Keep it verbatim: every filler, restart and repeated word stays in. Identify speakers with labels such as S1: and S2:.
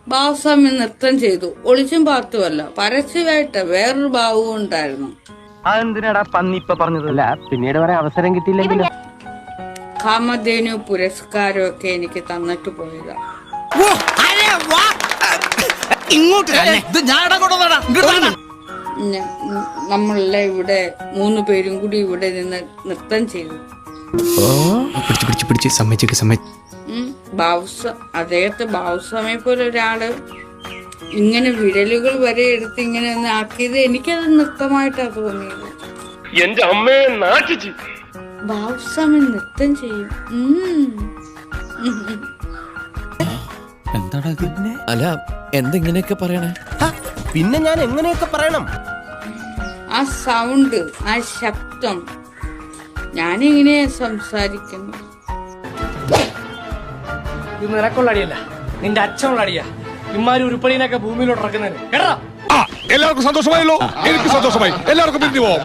S1: ബാബുസ്വാമി നൃത്തം ചെയ്തു. ഒളിച്ചും പാത്തുമല്ല, പരസ്യമായിട്ട് വേറൊരു ഭാവവും ഉണ്ടായിരുന്നു.
S2: അതെന്തിനാടാ പന്നി ഇപ്പൊ പറഞ്ഞത്? അല്ല പിന്നീട് പറയാൻ അവസരം കിട്ടിയില്ലെങ്കിലും
S1: കാമധേനു പുരസ്കാരം ഒക്കെ എനിക്ക് തന്നിട്ട് പോയതാ. നമ്മളെല്ലാം ഇവിടെ മൂന്ന് പേരും കൂടി ഇവിടെ നിന്ന് നൃത്തം ചെയ്തു. ബാബുസ്വാ അദ്ദേഹത്തെ ബാബുസ്വാമിയെ പോലെ ഒരാള് ഇങ്ങനെ വിരലുകൾ വരെ എടുത്ത് ഇങ്ങനെ ഒന്ന് ആക്കിയത് എനിക്കത് നൃത്തമായിട്ടാ തോന്നിയത്.
S3: എന്റെ അമ്മയെ നാട്ടിച്ചു.
S1: ബാബുസ്വാമി നൃത്തം ചെയ്യും.
S4: അല്ല എന്തെങ്ങനെയൊക്കെ പറയണേ?
S5: പിന്നെ ഞാൻ എങ്ങനെയൊക്കെ പറയണം?
S1: ആ സൗണ്ട്, ആ ശബ്ദം, ഞാനിങ്ങനെയാ സംസാരിക്കുന്നു.
S6: ഇത് നിനക്കുള്ള അടിയല്ല, നിന്റെ അച്ഛനുള്ള അടിയാ. ഇമ്മാരി ഉരുപ്പടിനൊക്കെ ഭൂമിയിലോട്ട് ഇറക്കുന്നതിന് കേട്ടോ.
S3: എല്ലാവർക്കും സന്തോഷമായല്ലോ. എനിക്ക് സന്തോഷമായി. എല്ലാവർക്കും പിരിഞ്ഞു പോവാം.